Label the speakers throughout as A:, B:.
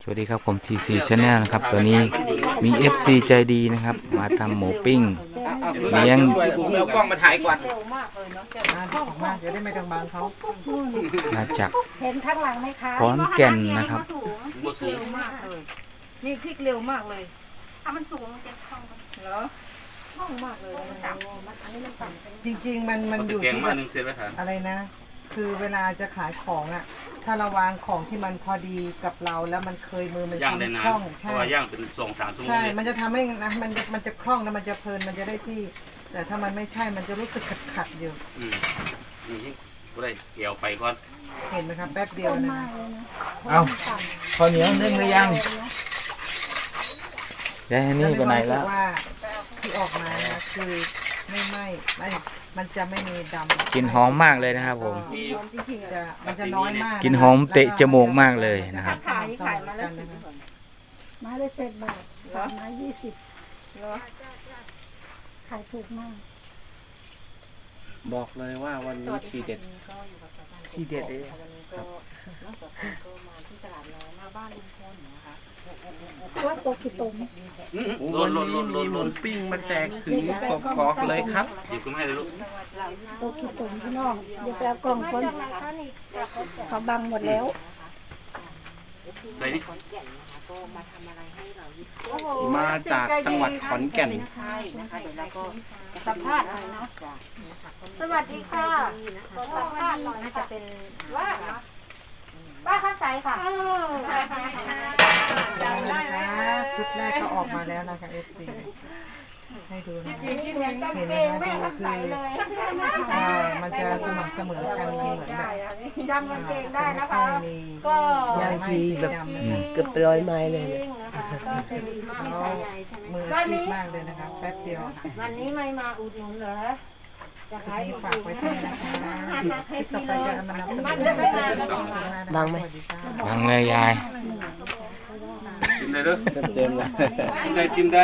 A: วัสดีครับผม TC Channel นะครับตัวนี้มี FC ใจดีนะครับมาทำหมูปิ้งเลี้ยง
B: ผมเอากล้องมาถ่ายก่อน
C: มากเดี๋ยวได้ไม่ต้องบังเขา
A: มาจาก
D: เห็นข้างหลังไหมคะ
A: ขอนแก่นนะครับ
B: บ่สูง
D: มากเลยนี่พลิกเร็วมากเลย
E: ถ้ามันสูงมันจะคล่องกัน
D: เหรอคล่องมากเลยมันต่ำอันนี้มันต่ำ
C: จริง ๆ มันอยู่
B: แกง
C: ที่
B: มา
C: แบบ
B: หนึ่งเซตไว้ครับ
C: อะไรนะ คือเวลาจะขายของอ่ะ ถ้าเราวางของที่มันพอดีกับเราแล้วมันเคยมือมัน
B: ย่างได้
C: ทำ
B: นาน
C: คล่อง
B: เพ
C: ใช่
B: ราะว่าย่างเป็น2-3 ชั่วโมง
C: ใช่
B: เนี่ย
C: มันจะทำให้นะมันจะคล่องแล้วมันจะเพลินมันจะได้ที่ แต่ถ้ามันไม่ใช่มันจะรู้สึกขัดอยู่
B: นี่ก็ได้เกี่ยวไปก่อน
C: เห็นไหมครับแป๊บเดียวนะ
A: เอาข้าวเหนียวนึ่งหรือยังได้อันนี่ไปไหน
C: รู้สึ
A: แล้ว
C: กว่าที่ออกมานะคือไม่มันจะไม่มีดำ
A: กลิ่นหอมมากเลยนะครับผม
C: มันจะน้อยมาก
A: กลิ่นหอมเตะจมูกมากเลยนะครับ
D: ขายมาแล้วไม้ละ7 บาทไม้20เหรอขายถูกมาก
F: บอกเลยว่าวันนี้ทีเด็ดทีเด็ดเลยครับ
D: ว่าโตกี่ตม
B: ล้น
F: วันนี้มีหมูปิ้งมาแจกถึงกอกๆเลยครับ
B: หยิบขึ้นมาให้เลยลูก
D: โตกี่ตมพี่น้องเดี๋ยวไปเอากล่องคนเขาบังหมดแล้ว
B: ใส่นี่
F: มาจากจังหวัดขอนแก่น
D: สัมภาษณ์หน่อยนะสวัสดีค่ะขอสัมภาษณ์หน่อยน่าจะเป็นว่าข้างใสค่ะ
C: ได้นะคะชุดแรกก็ออกมาแล้วนะคะ FC ให้ดูนะคะเห็นไหมคะดูคือมันจะสม่ำเสมอกันมันเหมือนแบบ
D: จำกางเกงได้นะคะ
C: มี
D: ก็
C: ยางทีแบบ
F: เกือบร้อยไม้เลย
C: มืออาชีพมากเลยนะคะแป๊บเดียวค่ะ
D: วันนี้ไม่มาอุดหนุนเหรอจะขาย
C: นี่
D: ถูก
C: ฝากไว้ให้นะคะคลิปต่อไปจะเอามานำเสนอ
F: บังไหม
A: บังเลยยาย
B: ชิมได้เด้อ
F: เต็มเลย
B: ชิมได้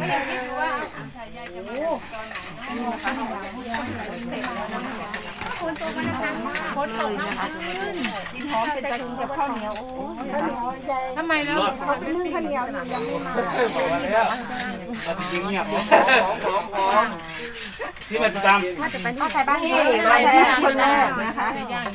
D: กินหอมเป็นตะลุงกับข้าวเหนียวทำไมแล้วนึ่งข้าวเหนียวยังไม่มา
B: เราจะยิงเงียบที่มันตาม
D: เอาใส่บ้านนี่ใส่คนแรกนะคะ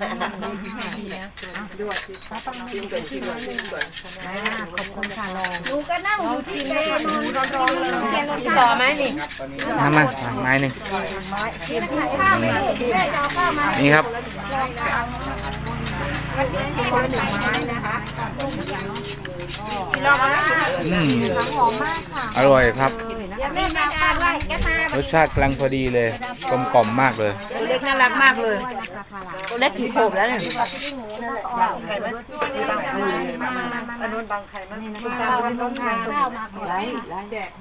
D: ขอบคุณค่ะลองดูก็นั่งอยู่ที่เมนูร้อนๆเลยต่อไหมนี่
A: มาไม้หนึ่ง
D: ข้าวไม่ได้แม่จะเอาข้าวมา
A: นี่ครับ
D: วันนี้ชิม1 ไม้นะคะ
A: อืม
D: หอมมากค่ะ
A: อร่อยครับ
D: เดี๋ยวแม่มาทานไว้แกมาร
A: สชาติกำลังพอดีเลยกลมกล่อมมากเลย
C: ตัวเล็กน่ารักมากเลยตัวเล็กกี่โผล่แล้วเนี่ยบางไข่ไหมอันนู้นบางไข่ไหมคุณตาเป็นน้องไข่ไล่แจก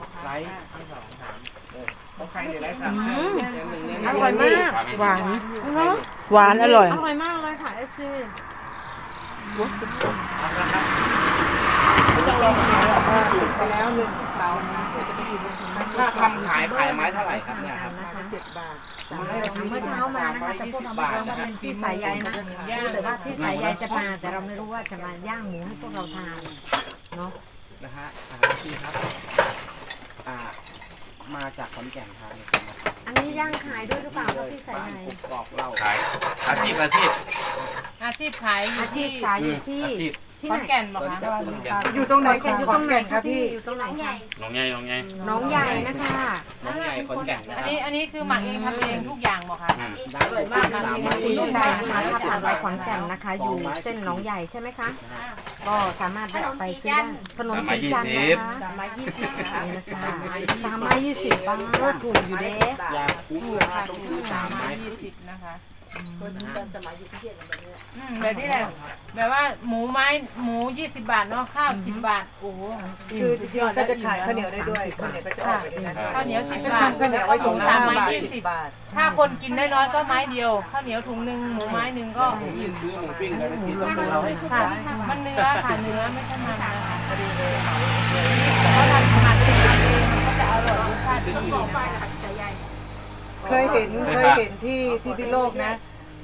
D: อร่อยมาก
C: หวานหวานอร่อย
D: อร่อยมากเลยค่ะเอฟซี
C: ติดไปแล้ว1 เสาร์นะจะไปอยู่บน
F: ถ้าทำขายไม้เท่าไหร่ครับเนี่ยครับ
C: 7 บาท
D: เมื่อเช้ามานะคะแต่พวกเราไม่รู้ว่าเป็นพี่สายใยนะรู้แต่ว่าพี่สายใยจะมาแต่เราไม่รู้ว่าจะมาย่างหมูให้พวกเราทานเนาะ
F: นะฮะพี่ครับมาจากขอนแก่นครับ
D: อันนี้ย่างขายด้วยหรือเปล่าคะพี่สายใย
F: กอกเรา
B: ขายอาชีพ
E: อาชีพขายอยู่
D: อาชี
E: ที่
D: พขายอยู่ที่
B: อาชีพ
D: ที่
E: ข
D: ไห
E: อน นแก่นบอกคะ
C: อยู่ตรงไหนของขอนแก่นครับพี่
D: อยู่ตรงไหนคะ
B: น้องใหญ่
D: น้องใหญ่นะคะ
F: น้องใหญ่ขอนแก่นนะค
E: อั
F: รั
E: น
F: บ
E: นี้คือหมักเองทำเองทุกอย่างบอกค่ะ
F: ได้เลยมากนะ
D: ที่ลูกใหญ่นะคะถ้าผ่านไปขอนแก่นนะคะ อยู่เส้นหนองใหญ่ใช่ไหมคะ ก็สามารถแวะไปซื้อได้ขนมสีจันทร์นะคะนี่นะคะ320 บาทถูกอยู่เด้
F: ยาคุ้ม
E: ถูก
F: รา
E: ค่ะ
F: คาต้อง
E: ถู
F: ซื้อก 3 ไม้
E: 20นะคะแบบนี้แหละแบบว่าหมู20 บาทเนาะข้าว10 บาทโอ้โห
C: คือจริงๆก็จะขายข้าวเหนียวได้ด้วยข้าวเหนียวก็จะออกไปในนั้น
E: ข้าวเหนียว10
C: ก็
E: บาท
C: ทำข้าวเหนียวไว้ถุงละ5 บาท 10 บาท
E: ถ้าคนกินได้น้อยก็ไม้เดียวข้าวเหนียวถุงหนึ่งหมูไม้หนึ่งก็อิ่ม
F: ซื้อหมูปิ้งกันได้ทีเราให้
E: ค่ะ มันเนื้อค่ะเนื้อไม่ใช่มันนะคะเขาทำมาเป็นก็จะอร่อยรสชาติดี
C: เคยเห็นที่พิโลกนะ ค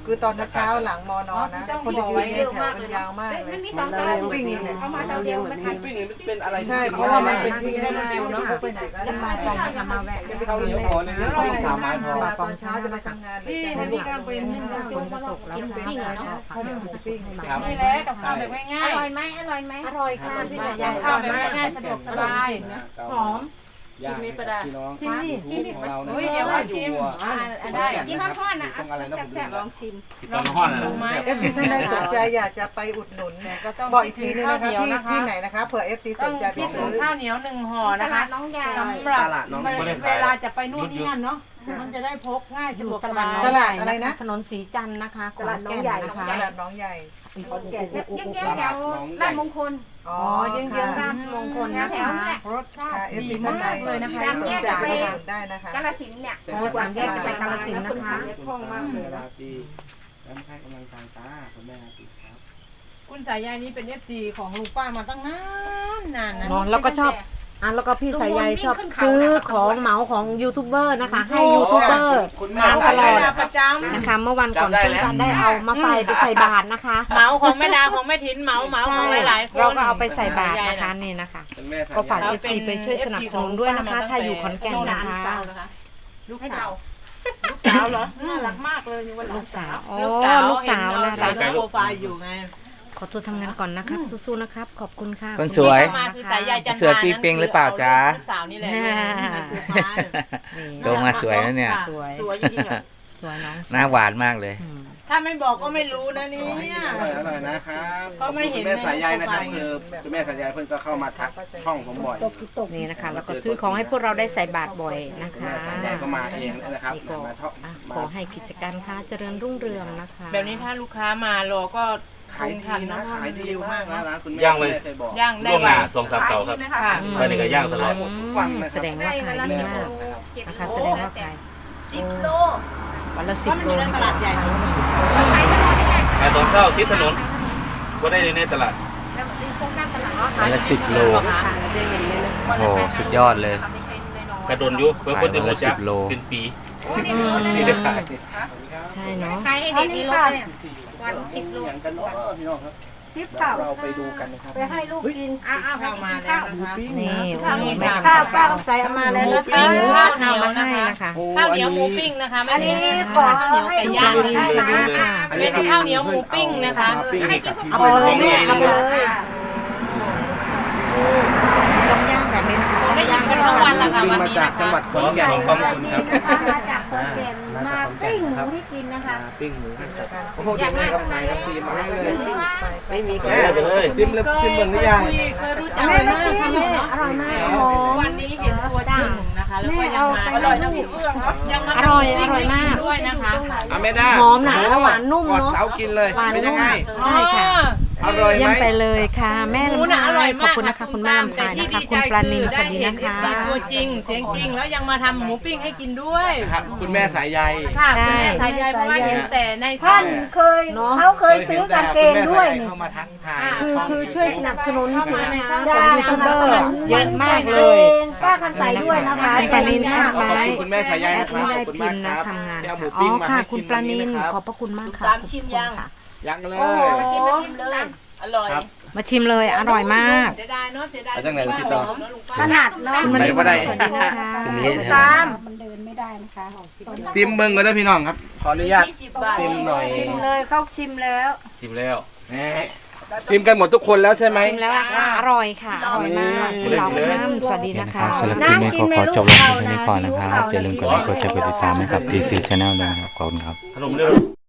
C: คือตอนเช้าหลังมอนอนนะคนจะยืนเยอะมากเลยยาวมากเลย
E: มันมี2จาน
C: วิ่งนี่แหละ
E: เอามาเดียวมันทัน
F: ปิ้งนี่เป็นอะไร
C: ใช่เพราะว่ามันเป็นที่ได้เร็วเนาะไปไหนก็ได้
D: มาแวะ
F: ข้าวเหนียวพอนี่ปิ้ง3 ไม้พอ
C: มาตอนเช้าจะไปทำงานเลย
E: พี่มันมีการเป็นนึ่ง
D: ฝนจะตกแล้ว
C: กิน
D: ค่ะ
C: ปิ้งเนาะเขาเป็นปิ้ง
F: ครับ
E: นี่แหละกับข้าวแบบง่าย
C: อร่อยไหมอร่อยไหม
D: อร่อยค่ะพี่สายใย
E: ๆข้าวแบบง่ายๆสะดวกสบายหอม
F: ชิมนี้ประดาพี่น้อง
D: ชิมดิ
F: ของเราเนี่ย
E: อุ้ยเดี๋ยวมาชิมได้
F: กินทอดๆนะตรงอะไรนะผม
E: ลองชิม
B: ติดต่อห้อน
E: ล
B: นะ
E: งไม้
C: เอฟซีท่านใดสนใจอยากจะไปอุดหนุน
E: ก็ต้อง
C: บอกอีกทีนึงนะคะ
E: ข้าวเหนียวนะคะ
C: ที่ไหนนะคะเผื่อเอฟซีส
E: ต้อง
C: นใจไป
E: พี่ถึ
C: ซื้
E: ง
C: อ
E: ข้าวเหนียว1 ห่อนะคะสำหรับเวลาจะไปนู่นนี่นั่นเนาะมันจะได้พกง่ายสะดวกสบาย
C: ตลาดอะไรนะ
D: ถนนสีจันทร์นะคะขอนแก่นนะคะ
C: ตลาดน้องใหญ่
E: แถวลาดมงคล
C: อ๋อ
D: เยื้องๆราชมงคลนะคะ
E: รสชาติ
C: เอฟ
E: ดี
C: ซีท่านใด
E: มากเลยนะคะ
C: สนใจไปอุดหนุนได้นะคะ
E: กาฬสินธุ์เนี่ย
D: โอ้3 แยกจะไปกาฬสินธุ์นะคะ
F: คล่องมากเลยนะพี่แล้วให้กำลังใจตาคุณแม่ครับ
E: คุณสายใยนี้เป็น FC ของลุงป้ามาตั้งนานนะ
D: เนาะแล้วก็ชอบแล้วก็พี่สายใยชอบซื้อของเหมาของยูทูบเบอร์นะคะ ให้ยูทูบเบอร์
F: คุณแม่
D: มาตลอด
E: ประจำ
D: นะคะเมื่อวันก่อนเพิ่งจะได้เอามาไฟไปใส่บาตรนะคะ
E: เหมาของแม่ดาของแม่ถินเหมาของหลายๆคน
D: เราก็เอาไปใส่บาตรนะคะนี่นะคะ
F: คุณแม่
D: ก็ฝาก FC ไปช่วยสนับสนุนด้วยนะคะ ถ้าอยู่ขอนแก่นนะคะ
E: ลูกสาวลูกสาวเหรอน่ารักมากเลยวัน
D: ลูกสาวอ๋อ
E: ลูกสาว
D: ลูกสาวนะ
E: ใส่
D: คะ
E: โปรไฟล์อยู่ไง
D: ขอตัวทำงานก่อนนะครับสู้ๆนะครับ ขอบคุณค่ะ
A: คนสวย
E: มาคือสายใยจันทร์
A: เสือปีเป้งหรือเปล่าจ๊ะ
E: ลูกสาวนี่แหละ
A: โตมาสวยนะเนี่ย
D: สวย
E: สวยจริงๆอ่ะ
D: สวยน้อง
A: หน้าหวานมากเลย
E: ถ้าไม่บอกก็ไม่รู้นะเนี่ย
F: อร่อยนะครับ
E: ก็ไม่เห็น
F: คุณแม่สายใยนะครับคือคุณแม่สายใยเพิ่นก็เข้ามาทักช่องผมบ่อย
D: นี่นะคะ แล้วก็ซื้อของให้พวกเราได้ใส่บาตรบ่อยนะคะ
F: สายใยก็มาเองนะครับ
D: นี่ก็
F: มาเท่า
D: อ่ะขอให้กิจการค้าเจริญรุ่งเรืองนะคะ
E: แบบนี้ถ้าลูกค้ามารอก็
F: ขายดีนะขายดีมากนะร้านคุณแม่
B: ย่างเลย
F: เคยบอก
E: ย่างได้
B: ล่วงห
E: วั
B: น้าน 2-3 เตาครับ
E: ค่ะ
B: ไปนี่ก็ย่างตลอด
F: ทุกวันนะค
D: แส
F: รับ
D: ดงว่าขายดีมากนะคะแสดงว่าขาย
E: 10 โล
D: วันละ10 โล
E: ตลาดใหญ่
B: แต่ตอนเช้าที่ถนนก็ได้ในตลาด
A: วันละ10 โล โอ้สุดยอดเลย
B: กระโดนยุเพื่อคนจะหัวจัก
A: 10 โล
B: เป็นปี
F: สิได้ขาย
D: ใช่เนาะ
E: ขายให้เด็กนี่โลเนี่ยวัน10 โล
F: อย่างกันเนาะพี่น้องครับเราไปดูกันนะครับ
C: ไปให้ลูกกิน
E: อ้าวเข้ามาแล้วนะคะ
D: นี่
E: ข้าวเหนียว
D: แม่
C: ข้าว
D: กำ
C: ป้า
D: ลัง
C: ใส่เอามาแล้วนะ
E: ปิ้
C: คะ
E: งข้าวเหนียว
D: มา
E: นะ
D: ให้
E: คะ
D: นะคะ
E: ข้าวเหนียวหมูปิ้งนะคะไม่
C: อันนี้
E: ใช่
C: ขอ
E: ข้าวเหนียว
C: ให้
E: ไก่
C: ลูก
E: ย่าง
C: กิน
E: นะ
C: นะคะ
E: คะ เป็นข้าวเหนียวหมูปิ้งนะคะ
F: ปิ้งให้กับพี่
D: เอา
F: น้อง
D: ไปเลยเอาไปเลยต้องย่างแบบนี้นะคะ
E: ได้ยินกันทั้งวันละค่ะ
F: ปิ้ง
E: วัน
F: มา
E: นี้
F: จาก
E: นะ
F: จังหวั
E: คะ
F: ดขอนแก่น
B: สอง
F: ค
B: ปั๊
F: รับ
B: ม
C: นี่นะคะมาจากขอนแก่นมาปิ้งหมูให้กินนะคะ
F: ปิ้งหมูโอ้โหเด็กเลยครับนายครับซีมาให้เลยไม่มีแค่
B: ไปเลย
F: ซิมเลยซิมเบิ่งหรือยัง
E: เคยรู้จักกันมากใช่ไหมเนาะ
C: อร่อยมาก
E: วันนี้เห็นตัวจริงนะคะ แล้วก็ยังมาอร่อยนะพี่เอื้องยังมา
D: อร่อยมาก
E: ด้วยนะคะ
F: อ่ะแม่ด้า
D: หอมหนาและหวานนุ่ม
F: กอด
D: เนาะ
F: เสากินเลย
D: หวาน
F: เป็นยั
D: นุ่
F: ง
D: ม
F: ไง
D: ใช่ค่ะ
F: อร่อยไห
D: เยี่ย
F: ม
D: มไปเลยค่ะ แม่
E: หมู
D: ลำ
E: น่ะอ
D: พา
E: ร่อย
D: ยขอบ
E: มาก
D: คุณนะคะคุณแม่ลำ
E: แต่
D: พาย
E: ที่
D: นะ
E: ดี
D: คะ
E: ใจ
D: คุณปลานิน
E: คือ
D: สวัสดี
E: ได้เห็น
D: นะคะ
E: FC ตัวจริงเสียงจริงแล้วยังมาทำหมูปิ้งให้กินด้วย
F: ครับคุณแม่สายใย
E: ค่ะคุณแม่สายใยเพราะว่าเห็นแต่ใน
C: ท่านเคยเขาเคยซื้อกางเกงด้วย
F: คุณแม่สาใเข้ามาทักทาย
D: คือช่วยสนับสนุนสินค้าของ
C: ได้
D: ยูทูบเบอร์เยอะมากเลย
C: ป้าคันใส่ด้วยนะคะ
D: คุณปลานินแอดไว้
F: คุณแม่สายใยนะค
D: ที่
F: รับ
D: ได้
F: ขอบคุณ
D: พิ
F: มาก
D: มพ์
F: ค
D: นะ
F: รับ
D: ทำงาน
F: ที่เอาหมู
D: ค่ะอ๋
F: ปิ้
D: อง
F: มา
D: ค่ะ
F: ให้
D: คุณ
F: กิน
D: ปลานิน
F: วั
D: ขอบพระคุณมากค่ะ
E: ตามชิมยัง
F: ยังเลย
E: มาชิมเลยอร่อย
F: ครับ
D: มาชิมเลยอร่อยมาก
E: เสียดายเนาะเสียดาย
F: เอาจากไหนพี่ต่อ
C: ขนาดเนาะ
D: คุณมณี
F: ไปบ่ได้
D: สวัสดีนะคะ
A: ทีนี้
C: ตาม
F: ซิมเบิ้งกันด้วยพี่น้องครับ ขออนุญาต
E: 20 บาท
F: ซิมหน่อย
C: ชิมเลยเขาชิมแล้ว
B: ชิมแล้ว
F: แหมซิมกันหมดทุกคนแล้วใช่ไหม
D: ชิมแล้วค่ะอร่อยค่ะอร่อยมากคุณเหล่าน้ำสวัสดี
A: โอเค
D: นะ
A: นะครั
D: คะ
A: บสำหรับคลิปนี้ขอจบลงเพียงเท่านี้ก่อนนะครับ อย่าลืมกดไลค์กดแชร์กดติดตามให้กับ TC Channel ด้วยนะครับ ขอบคุณครับ
B: ขนมเร็ว